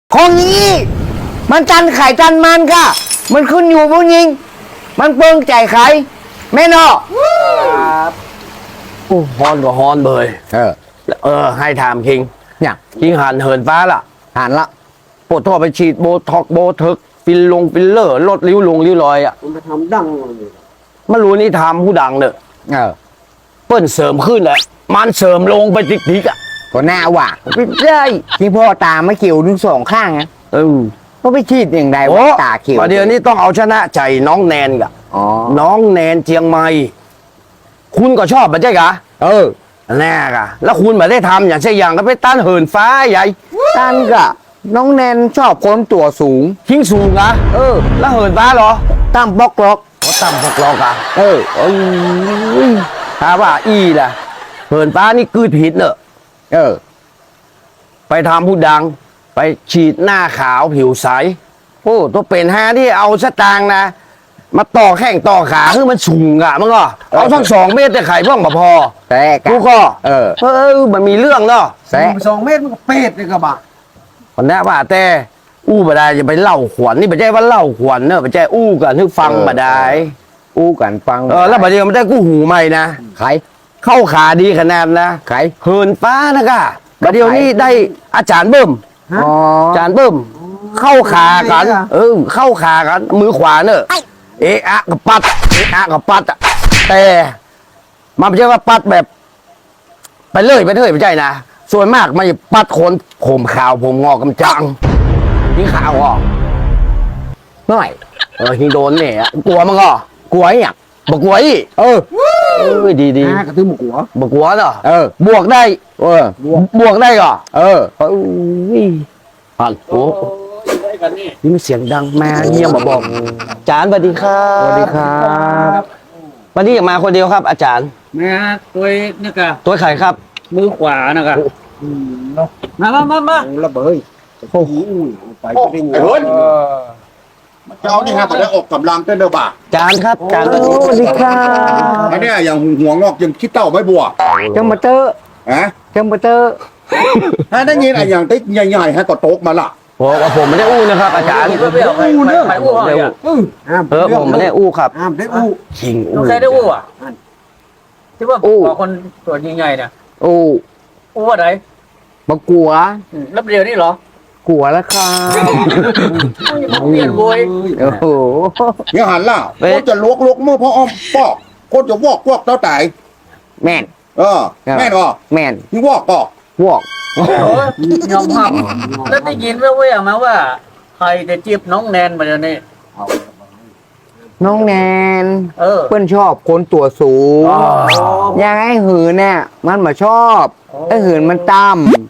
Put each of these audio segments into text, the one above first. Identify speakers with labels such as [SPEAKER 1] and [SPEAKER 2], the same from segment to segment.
[SPEAKER 1] ของนี้มันจันไข่จันมันค่ะมันขึ้นอยู่ผู้หญิงมันเปิงใจใครแม่นอ
[SPEAKER 2] โอ้ฮอนก็ฮอนเบยให้ถามคิง
[SPEAKER 1] เนี่ย
[SPEAKER 2] คิงหันเหินฟ้าล่ะ
[SPEAKER 1] หันละ
[SPEAKER 2] ปวดท่อไปฉีดโบท็อกโบทึกฟิลเลอร์ลดริ้วรอยอ่ะ
[SPEAKER 3] มันทำดัง
[SPEAKER 2] ไม่รู้นี่ทำผู้ดังเนอะเปิ้นเสริมขึ้นแหละมันเสริมลงไปทิกอ่ะ
[SPEAKER 1] ก็น่าว่ะไม่ได้ที่พ่อตาไม่เขียวทั้งสองข้างนะก็ไปฉีดอย่างไรวะตาเขียว
[SPEAKER 2] ประเดี๋ยวนี้ต้องเอาชนะใจน้องแนนกะน้องแนนเชียงใหม่คุณก็ชอบมันใช่กะแน่กะแล้วคุณมาได้ทำอย่างเช่นอย่างก็ไปต้านเหินฟ้าใหญ่
[SPEAKER 1] ต้านกะน้องแนนชอบคนตัวสูง
[SPEAKER 2] ทิ้งสูงอะแล้วเหินฟ้าเหรอ
[SPEAKER 1] ตั้มบล็อกล็อก
[SPEAKER 2] ตั้มบล็อกล็อกอะถ้าว่าอีล่ะเหินฟ้านี่กืดผิดเนอะไปทำผู้ดังไปฉีดหน้าขาวผิวใสโอ้ตัวเป็นฮาที่เอาสตางค์นะมาต่อแข้งต่อขาคือมันสูงอะมันก็เอาทั้ง2 เมตรแต่ไข่พ่องมาพอ
[SPEAKER 1] แต่
[SPEAKER 2] กูก็มันมีเรื่องเนาะ
[SPEAKER 3] 2 เมตรมันก็เป็ดเลยกระบะ
[SPEAKER 2] คนนี้ว่าแต่บ่ได้จะไปเล่าขวัญนี่ไม่ใช่ว่าเล่าขวัญเนอะไม่ใช่กันนึกฟังบ่ได้
[SPEAKER 1] กันฟัง
[SPEAKER 2] แล้วบัดเดี๋ยวมันได้กูหูใหม่นะ
[SPEAKER 1] ใคร
[SPEAKER 2] เข้าขาดีขนาดนะ
[SPEAKER 1] ใคร
[SPEAKER 2] เหินฟ้านะกะบัดเดี๋ยวนี้ได้อาจารย์เบิ่มอาจารย์เบิ่มเข้าขากันเข้าขากันมือขวาเนอะกับปัดกับปัดอะแต่มันไม่ใช่ว่าปัดแบบไปเลยไม่ใช่นะส่วนมากมันจะปัดคนผมขาวผมงอกำจังนี่ขาวอ่ะ
[SPEAKER 1] หน่อย
[SPEAKER 2] ฮิงโดนเนี่ยกลัวมันก็
[SPEAKER 1] กลัวอย่าง
[SPEAKER 2] บกลัวอีดี
[SPEAKER 3] กระตื้อบก
[SPEAKER 2] ลัวเนาะบวกได้บวกได้ก็ฮัลโหลนี่มันเสียงดังมาเงียบมาบอกอาจารย์สวัสดีครับ
[SPEAKER 1] สวัสดีครับ
[SPEAKER 2] วันนี้อยากมาคนเดียวครับอาจารย์
[SPEAKER 3] แม่ตัวนี่กะ
[SPEAKER 2] ตัวไข่ครับ
[SPEAKER 3] มือขวานะครับมาระเบิดโอ้โหไปไม่ได้เงิน
[SPEAKER 4] เจ้านี่ฮะมาได้ออกกำลังเต้นเด้อบ่า
[SPEAKER 2] จานครับจาน
[SPEAKER 1] สวัสดีครับ
[SPEAKER 4] อันนี้อย่างหัวงอกยังคิดเต้าไม่บัว
[SPEAKER 1] จังมาเตอร์จังมาเตอร์
[SPEAKER 4] ฮะได้ยินอะไรอย่างติ๊กใหญ่ๆฮะก็โต๊ะมาละ
[SPEAKER 2] ผมไม่ได้นะครับอาจารย์
[SPEAKER 3] ไม่อู้เรื่องไม่อู้อะไร
[SPEAKER 2] ผมไม่ได้ครับ
[SPEAKER 3] ได้อู้
[SPEAKER 2] ชิง
[SPEAKER 3] ใครได้อู้อ่ะที่ว่าคนตัวใหญ่ๆเนี่ยอู้อะไร
[SPEAKER 1] มากลัว
[SPEAKER 3] รับเดียวนี่เหรอก
[SPEAKER 1] ลัวแล้วครับ
[SPEAKER 3] เปลี่ยนบวย
[SPEAKER 1] โอ้โห
[SPEAKER 4] ยังหันล่ะก็จะลวกมือพ่ออ้อมปอกก็จะวอกเต้าไต่
[SPEAKER 1] แม่น
[SPEAKER 4] แม่น
[SPEAKER 1] แม่น
[SPEAKER 4] นี่วอกปอก
[SPEAKER 3] ยอมรับแล้วได้ยินแว่วๆมาว่าใครจะจีบน้องแนนมาเดี๋ยวนี้
[SPEAKER 1] น้องแนนเพื่อนชอบคนตัวสูงยังไอ้หืนเนี่ยมันมาชอบไอ้หืนมันต่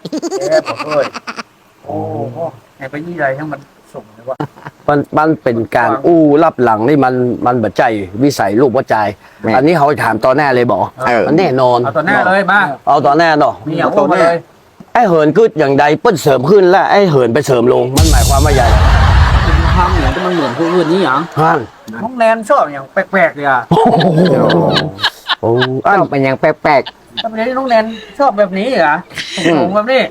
[SPEAKER 3] ำโอ้ไอ้ไปยี่ไรทั้งมันส่งเลยว่า
[SPEAKER 2] มันเป็นการรับหลังนี่มันบัดใจวิสัยลูกวัดใจอันนี้เขาถามตอนแน่เลยบอกมันแน่นอน
[SPEAKER 3] เอาตอนแน่เลยมา
[SPEAKER 2] เอาตอนแน่เนาะ
[SPEAKER 3] มีอย่างพูดมาเลย
[SPEAKER 2] ไอ้เหินขึ้นอย่างใดเปิ้ลเสริมขึ้นแล้วไอ้เหินไปเสริมลงมันหมายความว่าใหญ่
[SPEAKER 3] ทำอย่างที่มันเหมือนผู้อื่นนี่อย่างน้องแนนชอบอย่างแปลกๆเลยอ่ะ
[SPEAKER 1] ชอบเป็นอย่างแปลก
[SPEAKER 3] ๆทำไมน้องแนนชอบแบบนี้เหรอสูงแบบนี้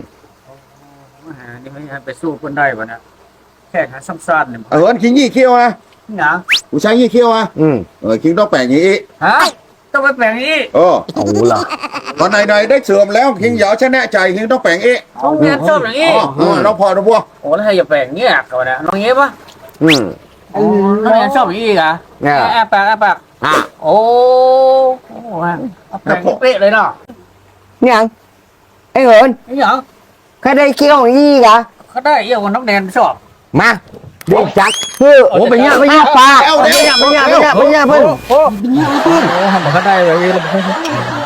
[SPEAKER 3] นี่ไม่ไปสู้คนได้วะนะแค่หาซ้ำๆเนี่ย
[SPEAKER 4] คิงยี่เขี้ยวนะ
[SPEAKER 3] นะ
[SPEAKER 4] ผู้ชายยี่เขี้ยวอ่ะคิงต้องแปลงอย่างนี้
[SPEAKER 3] ฮะต้องไปแปลงนี้
[SPEAKER 2] เอาละ
[SPEAKER 4] ตอนไหนได้เสื่อมแล้วคิงอย่าชนะใจคิงต้องแปลง
[SPEAKER 3] น้องแนนชอบอย่างนี้
[SPEAKER 4] เราพอเราพวก
[SPEAKER 3] โอ้แล้วใครจะแปลงเงี้ยก่อนนะน้องเงี้ยปะน้องแนนชอบอย่างนี้อ่ะแอบปากโอ้แปลงเป๊ะเลยเนาะ
[SPEAKER 1] ยังไอ้เหิน
[SPEAKER 3] ยัง
[SPEAKER 1] ใครได้เคี้ยวยี่กะ
[SPEAKER 3] เขาได้เยี่ยวกับน้องแนนชอบ
[SPEAKER 1] มาเด็กจัก
[SPEAKER 2] โอ้เป็นเงี้ยปลา
[SPEAKER 1] เป็นเงี้ยเพื่อน
[SPEAKER 3] ทำเขาได้เลย